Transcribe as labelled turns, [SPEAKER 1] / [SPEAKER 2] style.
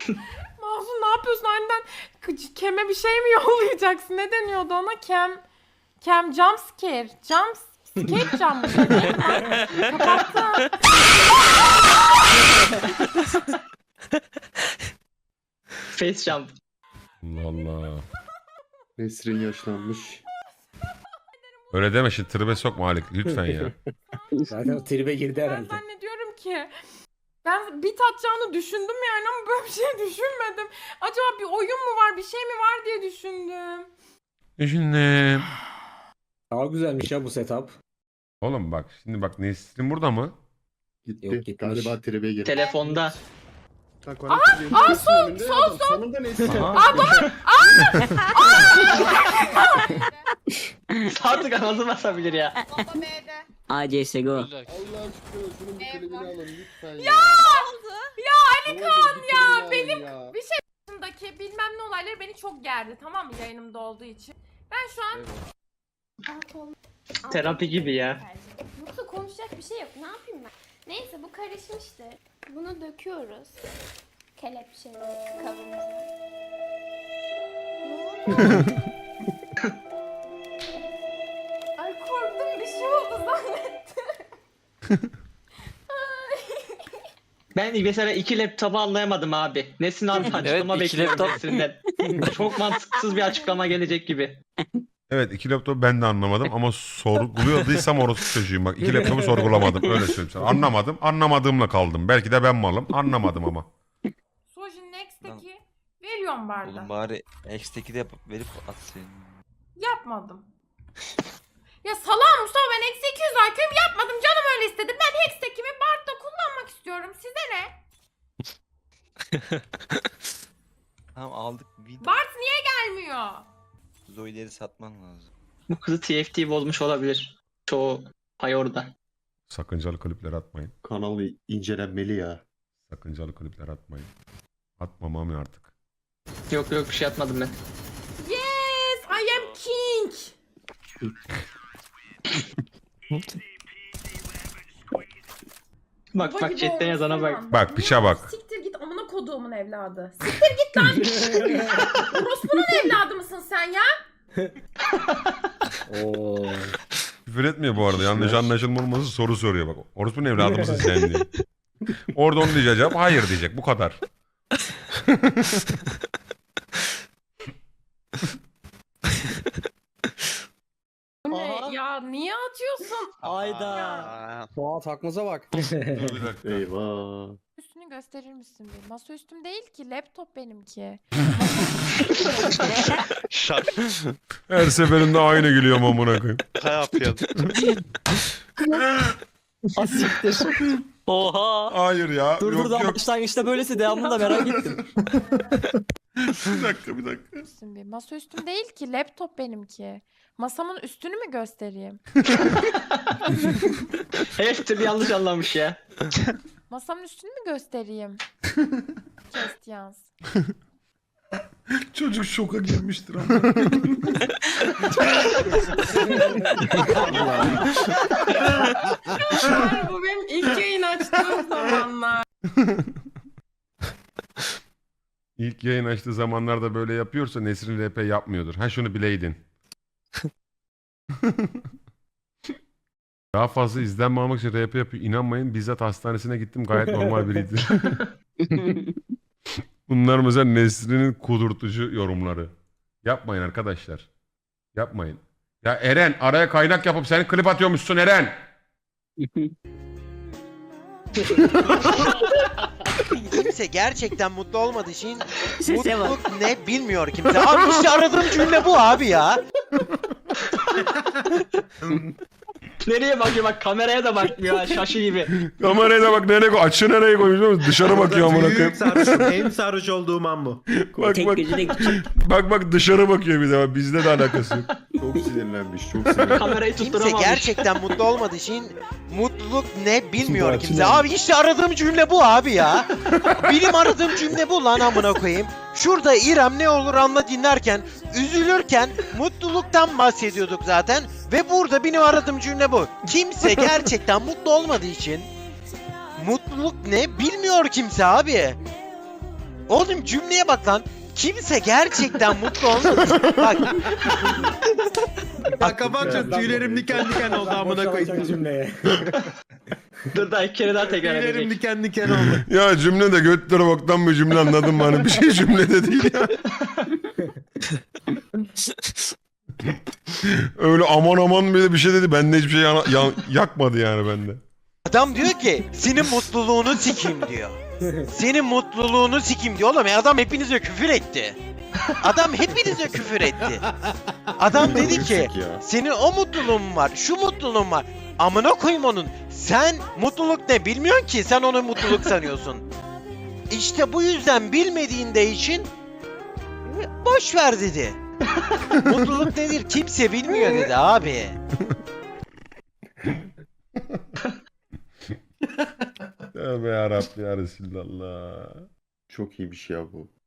[SPEAKER 1] Mahsun ne yapıyorsun aniden? Kem'e bir şey mi yollayacaksın? Ne deniyordu ona? Kem jump scare. Skate jump mı? Kapattı.
[SPEAKER 2] Face jump.
[SPEAKER 3] Allah Allah.
[SPEAKER 4] Nesrin yaşlanmış.
[SPEAKER 3] Öyle deme şimdi tribe sokma Halik lütfen ya.
[SPEAKER 5] Zaten o tribe girdi
[SPEAKER 1] Ben
[SPEAKER 5] herhalde.
[SPEAKER 1] zannediyorum ki ben bit atacağını düşündüm yani ama böyle bir şey düşünmedim. Acaba bir oyun mu var, bir şey mi var diye düşündüm.
[SPEAKER 3] Düşündüm.
[SPEAKER 5] Daha güzelmiş ya bu setup.
[SPEAKER 3] Oğlum bak şimdi bak Nesrin burada mı?
[SPEAKER 4] Gitti.
[SPEAKER 5] Yok, gitmiş.
[SPEAKER 4] Galiba tribe girdi.
[SPEAKER 2] Telefonda.
[SPEAKER 4] Sol. Sonunda Nesrin.
[SPEAKER 2] Artık anasını basabilir ya.
[SPEAKER 6] Bomba B'de.
[SPEAKER 7] ACSGO.
[SPEAKER 4] Allah aşkına şunun bir klibini alın lütfen ya.
[SPEAKER 1] Ali Kaan ya benim yaşındaki bilmem ne olayları beni çok gerdi, tamam mı, yayınımda olduğu için. Ben şu an
[SPEAKER 2] Terapi gibi ya.
[SPEAKER 8] Yoksa konuşacak bir şey yok. Ne yapayım ben? Neyse bu karışmıştır. Bunu döküyoruz. Kelepçeleri kabımıza.
[SPEAKER 1] ay korktum, bir şey oldu zannettim.
[SPEAKER 2] Ben mesela iki laptopu anlayamadım abi. Nesin abi açıklama
[SPEAKER 7] iki
[SPEAKER 2] bekliyorum
[SPEAKER 7] laptop.
[SPEAKER 2] Nesin'den. Çok mantıksız bir açıklama gelecek gibi.
[SPEAKER 3] Evet iki laptopu ben de anlamadım ama sorguluyorduysam orası çocuğum bak. İki laptopu sorgulamadım öyle söyleyeyim sana. Anlamadım anlamadığımla kaldım. Belki de ben malım anlamadım ama.
[SPEAKER 1] Sojin Next'teki veriyorum barda.
[SPEAKER 9] Oğlum bari X'teki de yapıp verip atsın.
[SPEAKER 1] Yapmadım. Ya salam Mustafa, ben eksi 200 IQ'yum, yapmadım, canım öyle istedi. Ben Hex'tekimi Bard'da kullanmak istiyorum. Size ne?
[SPEAKER 9] Tamam aldık.
[SPEAKER 1] Bard niye gelmiyor?
[SPEAKER 9] Zoe'leri satman lazım.
[SPEAKER 2] Bu kızı TFT bozmuş olabilir. Çoğu pay orada.
[SPEAKER 3] Sakıncalı klipler atmayın.
[SPEAKER 4] Kanalı incelenmeli ya.
[SPEAKER 3] Sakıncalı klipler atmayın. Atmamam ya artık.
[SPEAKER 2] Yok bir şey atmadım ben.
[SPEAKER 1] Yes, I am king.
[SPEAKER 2] Bak
[SPEAKER 1] Baba gibi
[SPEAKER 2] chatten yazana
[SPEAKER 1] olmuşsun
[SPEAKER 2] bak.
[SPEAKER 1] lan.
[SPEAKER 3] Bak, piça bak.
[SPEAKER 1] Siktir git amına koduğumun evladı. Siktir git lan. Orospu'nun evladı mısın sen ya?
[SPEAKER 5] Oo.
[SPEAKER 3] Küfür etmiyor bu arada. Yanlış anlaşılmaması soru soruyor bak. Orospu ne evladı mısın sen diye. Orada onu diyecek cevap hayır diyecek. Bu kadar.
[SPEAKER 1] Bu ne? Ya niye atıyorsun?
[SPEAKER 7] Ayda.
[SPEAKER 5] Doğa takmaza bak.
[SPEAKER 3] Dur bir dakika.
[SPEAKER 4] Eyvah.
[SPEAKER 1] Üstünü gösterir misin bir? Masa üstüm değil ki, laptop benimki.
[SPEAKER 3] Her seferinde aynı gülüyorum amına koyayım.
[SPEAKER 7] Asiktir. Oha.
[SPEAKER 3] Hayır ya.
[SPEAKER 7] Dur
[SPEAKER 3] yok,
[SPEAKER 7] dur da
[SPEAKER 3] yok.
[SPEAKER 7] başlangıçta böylesi devamını da merak ettim.
[SPEAKER 3] Bir dakika bir dakika.
[SPEAKER 1] Üstüm bir. Masa üstüm değil ki, laptop benimki. Masamın üstünü mü göstereyim?
[SPEAKER 2] Her türlü yanlış anlamış ya.
[SPEAKER 1] Masamın üstünü mü göstereyim? Kestiyans.
[SPEAKER 3] Çocuk şoka girmiştir ama.
[SPEAKER 1] Bu benim ilk yayın açtığım zamanlar.
[SPEAKER 3] İlk yayın açtığı zamanlarda böyle yapıyorsa Nesrin RP yapmıyordur. Ha şunu bileydin. Daha fazla izlenme almak için RP yapıyor. İnanmayın bizzat hastanesine gittim gayet normal biriydi. Bunlar mesela Nesrin'in kudurtucu yorumları. Yapmayın arkadaşlar. Yapmayın. Ya Eren araya kaynak yapıp sen klip atıyormuşsun Eren.
[SPEAKER 10] Kimse gerçekten mutlu olmadığı için
[SPEAKER 7] Sese bak.
[SPEAKER 10] mutluluk ne bilmiyor kimse. Abi işte aradığım cümle bu abi ya.
[SPEAKER 2] Nereye bakıyor bak, kameraya da bakmıyor ha, şaşı gibi.
[SPEAKER 3] Kameraya da bak nereye koy. Açı nereye koymuş biliyor musun? Dışarı bakıyor amına koyayım.
[SPEAKER 11] En sarhoş olduğum an bu.
[SPEAKER 3] Bak
[SPEAKER 7] Tek
[SPEAKER 3] bak.
[SPEAKER 7] gözü de küçük.
[SPEAKER 3] Bak dışarı bakıyor bir de. Bak, bizde de alakası yok.
[SPEAKER 4] Çok sinirlenmiş. Çok sinirlenmiş.
[SPEAKER 2] Kamerayı
[SPEAKER 10] Kimse
[SPEAKER 2] tutturamamış.
[SPEAKER 10] gerçekten mutlu olmadığı için mutluluk ne bilmiyor kimse. Abi işte aradığım cümle bu abi ya. Benim aradığım cümle bu lan amına koyayım. Şurada İrem ne olur anla dinlerken, üzülürken mutluluktan bahsediyorduk zaten. Ve burada benim aradığım cümle bu. Kimse gerçekten mutlu olmadığı için mutluluk ne bilmiyor kimse abi. Oğlum cümleye bak lan. Kimse gerçekten mutlu olmaz. Bak.
[SPEAKER 5] Kapat tüylerim diken diken oldu amına koyayım cümleye.
[SPEAKER 2] Dur daha 2 kere daha tekrar edecek.
[SPEAKER 5] diken diken oldu.
[SPEAKER 3] Ya cümle de götleri boktan bir cümle, anladın mı? Hani bir şey cümlede değil ya. Öyle aman aman bile bir şey dedi. Bende hiçbir şey yakmadı yani bende.
[SPEAKER 10] Adam diyor ki senin mutluluğunu sikeyim diyor. Senin mutluluğunu sikeyim diyor. Oğlum adam hepinize küfür etti. Adam hepinize küfür etti. Adam dedi ki
[SPEAKER 4] Yüksek ya.
[SPEAKER 10] senin o mutluluğun var, şu mutluluğun var. Amına koyayım onun. Sen mutluluk ne bilmiyorsun ki, sen onu mutluluk sanıyorsun. İşte bu yüzden bilmediğinde için boş ver dedi. Mutluluk nedir kimse bilmiyor dedi abi.
[SPEAKER 3] Tövbe yarabbi ya Resulallah.
[SPEAKER 4] Çok iyiymiş ya bu.